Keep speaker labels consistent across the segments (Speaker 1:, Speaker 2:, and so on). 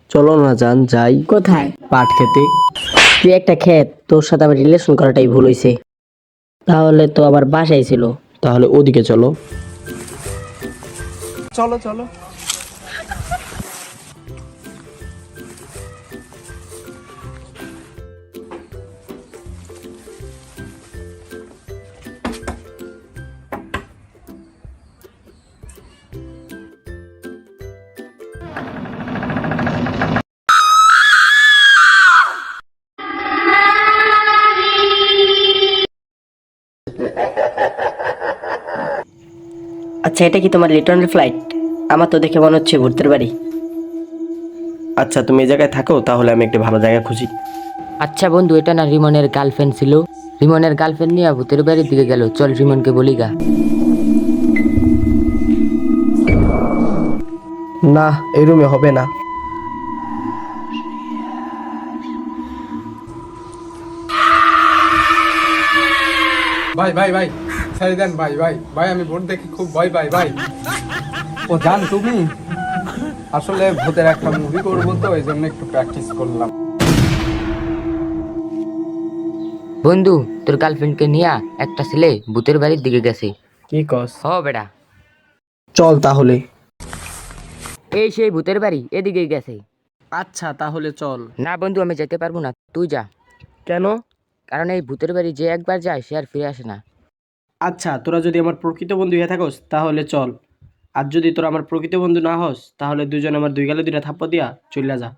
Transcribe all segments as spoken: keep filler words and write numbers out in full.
Speaker 1: চলো না জান যাই।
Speaker 2: কোথায়?
Speaker 1: পাট খেতে।
Speaker 2: তুই একটা ক্ষেত, তোর সাথে আবার রিলেশন করাটাই ভুল হয়েছে। তাহলে তো আবার বাসায় ছিল।
Speaker 1: তাহলে ওদিকে চলো।
Speaker 3: চলো চলো।
Speaker 2: আচ্ছা, এটা কি তোমার লিটনের ফ্লাইট? আমার তো দেখে মনে হচ্ছে ভূতের বাড়ি।
Speaker 1: আচ্ছা তুমি এই জায়গায় থাকো, তাহলে আমি একটা ভালো জায়গা খুঁজি।
Speaker 4: আচ্ছা বন্ধু, এটা না রিমনের গার্লফ্রেন্ড ছিল। রিমনের গার্লফ্রেন্ড নিয়ে ভূতের বাড়ির দিকে গেল। চল রিমনকে বলি গা।
Speaker 1: না, এই রুমে হবে না।
Speaker 3: ভাই ভাই ভাই ছেড়ে দেন ভাই ভাই ভাই আমি ভূত দেখি খুব ভয় পাই ভাই। ও জান তুমি আসলে ভূতের একটা মুভি করবো তো এই জন্য একটু প্র্যাকটিস করলাম।
Speaker 4: বন্ধু, তোর গার্লফ্রেন্ডকে নিয়ে একটা ছেলে ভূতের বাড়ির দিকে গেছে।
Speaker 1: কি কস?
Speaker 4: হ বেটা,
Speaker 1: চল তাহলে।
Speaker 4: এই সেই ভূতের বাড়ি এদিকে গেছে।
Speaker 1: আচ্ছা তাহলে চল।
Speaker 4: না বন্ধু, আমি যেতে পারবো না, তুই যা।
Speaker 1: কেন?
Speaker 4: কারণ এই ভূতের বাড়ি যে একবার যায় সে আর ফিরে আসে না।
Speaker 1: আচ্ছা তোরা যদি আমার প্রকৃত বন্ধু হয়ে থাকস তাহলে চল, আর যদি তোরা আমার প্রকৃত বন্ধু না হস তাহলে দুজন আমার দুই গালে দুইটা থাপ্পড় দিয়া চলে যা।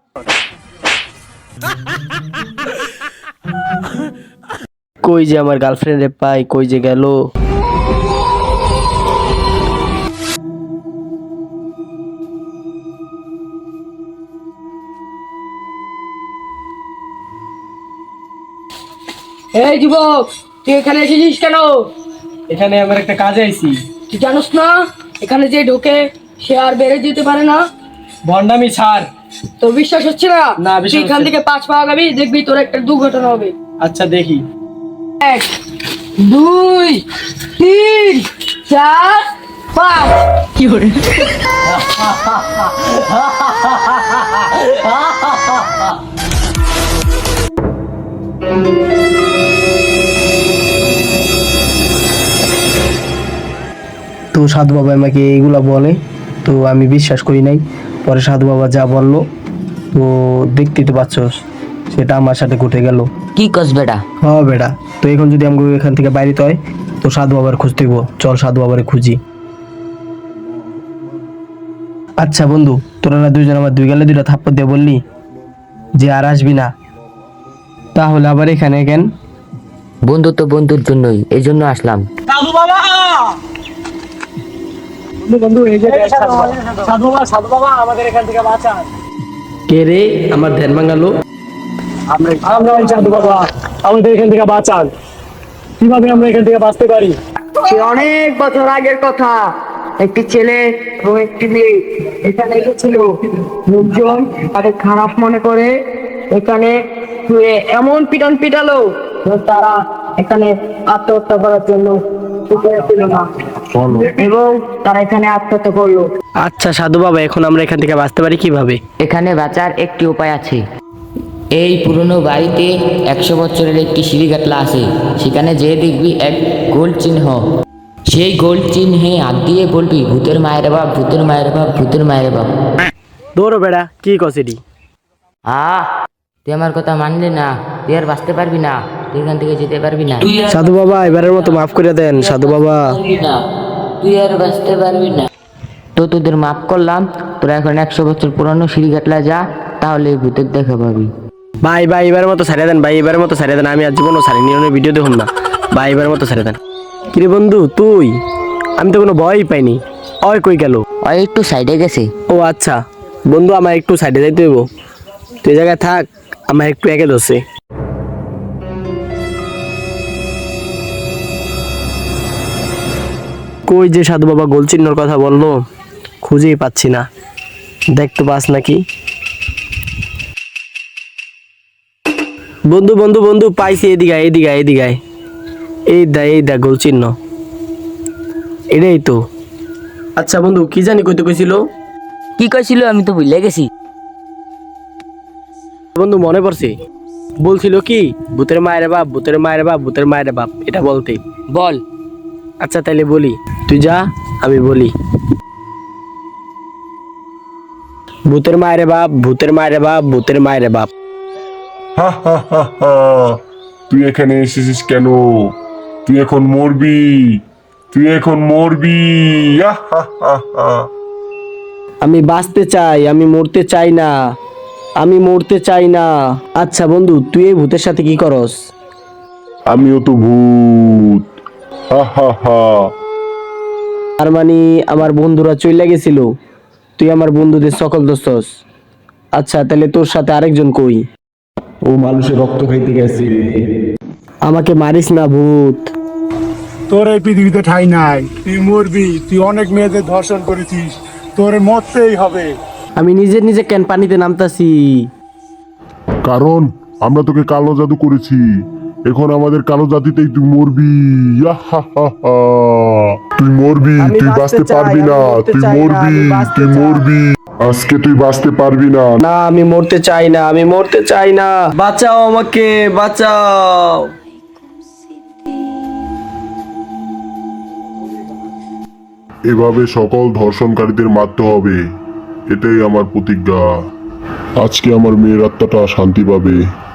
Speaker 1: কই যে আমার গার্লফ্রেন্ড রে পাই, কই যে গেল?
Speaker 2: এই যুবক, তুই এখানে এসেছিস কেন?
Speaker 1: এখানে আমার একটা কাজে আইছি।
Speaker 2: তুই জানোস না এখানে যে ঢোকে সে আর বেড়ে যেতে পারে না?
Speaker 1: ভন্ডামি ছাড়।
Speaker 2: তোর বিশ্বাস হচ্ছে না?
Speaker 1: না, বিশ্বাস
Speaker 2: তুই এখান
Speaker 1: হচ্ছে।
Speaker 2: থেকে পাঁচ পা আগাবি, দেখবি তোর একটা দুর্ঘটনা হবে।
Speaker 1: আচ্ছা দেখি।
Speaker 2: এক, দুই, তিন, চার, পাঁচ। কি করে?
Speaker 1: তো সাধু বাবা আমাকে এইগুলা বলে, তো আমি বিশ্বাস করি নাই। পরে সাধু বাবা যা বললো, তো দেখতেই তো পাচ্ছস সেটা আমার সাথে ঘটে গেল।
Speaker 4: কি কস বেটা?
Speaker 1: হ্যাঁ বেটা, তো এখন যদি আমাকে এখান থেকে বাইরে হয় তো সাধু বাবার খুঁজতে হইব। চল সাধু বাবারে খুঁজি। আচ্ছা বন্ধু, তোরা না দুইজন আমার দুই গালে দুইটা থাপ্পড় দিয়ে বললি যে আর আসবি না, তাহলে আবার এখানে কেন?
Speaker 4: বন্ধু তো বন্ধুর জন্যই, এই জন্য আসলাম।
Speaker 1: কে রে আমার ধ্যান ভাঙালো?
Speaker 5: আমরা সাধু বাবা, আমাদের এখান থেকে বাঁচান। কিভাবে আমরা এখান থেকে বাঁচতে পারি?
Speaker 2: সে অনেক বছর আগের কথা। একটি ছেলে এবং একটি মেয়ে এখানে এসেছিল। লোকজন তাদের খারাপ মনে করে এখানে শুয়ে এমন পিটন পিটালো যে তারা এখানে আত্মহত্যা করার জন্য উপায় ছিল না, এবং তারা এখানে আত্মহত্যা করলো।
Speaker 1: আচ্ছা সাধু বাবা, এখন আমরা এখান থেকে বাঁচতে পারি কিভাবে?
Speaker 4: এখানে বাঁচার একটি উপায় আছে। এই পুরনো বাড়িতে একশো বছরের একটি সিঁড়িঘাটলা আছে। সেখানে যে দেখবি এক গোল চিহ্ন, সেই গোল চিহ্নে হাত দিয়ে বলবি ভূতের মায়ের বাপ, ভূতের মায়ের বাপ, ভূতের মায়ের বাপ।
Speaker 1: দৌড়ো বেড়া, কি কসেডি?
Speaker 4: আহ, তুই আমার কথা মানলি না, তুই আর বাঁচতে পারবি না, তুই এখান থেকে যেতে পারবি না।
Speaker 1: সাধু বাবা এবারের মতো মাফ করে দেন সাধু বাবা।
Speaker 4: তুই আর বাঁচতে পারবি না। তো তোদের মাফ করলাম, তোরা এখন একশো বছর পুরানো সিঁড়িঘাটলা যা, তাহলে ভূতের দেখা পাবি।
Speaker 1: ভাই ভাই এবারের মতো ছাড়িয়ে দেন, ভাই এবারের মতো ছাড়িয়ে দেন, আমি আর জীবনও ছাড়ি নিয়নের ভিডিও দেখুন না ভাই, এবারের মতো ছাড়িয়ে দেন। কিরে বন্ধু তুই? আমি তো কোনো ভয়ই পাইনি। ওই কই গেল?
Speaker 4: ওই একটু সাইডে গেছে।
Speaker 1: ও আচ্ছা বন্ধু, আমার একটু সাইডে যাইতে হইব। তুই জায়গায় থাক, আমার একটু একে ধরছে। কই যে সাধু বাবা গোল চিহ্নর কথা বললো, খুঁজেই পাচ্ছি না। দেখতে পাস নাকি? বন্ধু বন্ধু বন্ধু পাইছি, এদিকে আয়, এদিকে আয়, এদিকে আয়। এই দা এই দা গোল চিহ্ন, এটাই তো। আচ্ছা বন্ধু, কি জানি কইতে কইছিল?
Speaker 4: কি কইছিল আমি তো ভুলে গেছি।
Speaker 1: বন্ধু মনে পড়ছে, বলছিল কি ভূতের মায়ের বাপ, ভূতের মায়ের বাপ, ভূতের মায়ের বাপ, এটা বলতে।
Speaker 4: বল।
Speaker 1: আচ্ছা তাইলে বলি, তুই যা আমি বলি। ভূতের মায়ের বাপ, ভূতের মায়ের বাপ, ভূতের মায়ের বাপ।
Speaker 6: হা হা হা হা, তুই এখানে এসেছিস কেন? তুই এখন মরবি, তুই এখন মরবি। আহ হা হা হা।
Speaker 1: আমি বাঁচতে চাই, আমি মরতে চাই না, আমি মরতে চাই না। আচ্ছা বন্ধু, তুই এই ভূতের সাথে কি করস?
Speaker 6: আমিও তো ভূত। হা হা হা।
Speaker 1: আর মানে আমার বন্ধুরা চলে গেছিল, তুই আমার বন্ধুদের সকল দোস্তস। আচ্ছা তাহলে তোর সাথে আরেকজন কই?
Speaker 6: ও মানুষের রক্ত খাইতে গেছে।
Speaker 1: আমাকে মারিস না ভূত।
Speaker 5: তোর এই পৃথিবীতে ঠাঁই নাই, তুই মরবি। তুই অনেক মেয়েদের ধর্ষণ করেছিস, তোর মরতেই হবে।
Speaker 1: আমি নিজে নিজে কেন পানিতে নামতাছি?
Speaker 6: কারণ আমরা তোকে কালো জাদু করেছি, এখন আমাদের কালো জাতিতেই তুই মরবি। আহ হা হা হা। তুই মরবি,
Speaker 1: আমি
Speaker 6: তুই
Speaker 1: বাঁচতে
Speaker 6: বাঁচতে
Speaker 1: চাই,
Speaker 6: পারবি
Speaker 1: আমি
Speaker 6: না,
Speaker 1: মরতে
Speaker 6: তুই
Speaker 1: চাই না,
Speaker 6: মরবি,
Speaker 1: আমি বাঁচতে
Speaker 6: তুই
Speaker 1: চাই।
Speaker 6: মরবি। আজকে তুই বাঁচতে পারবি না।
Speaker 1: না আমি মরতে চাই না, আমি মরতে চাই না, বাঁচাও আমাকে, বাঁচাও।
Speaker 6: এভাবে সকল ধর্ষণকারীদের মারতে হবে, এটাই আমার প্রতিজ্ঞা। আজকে আমার মেয়ের আত্মাটা শান্তি পাবে।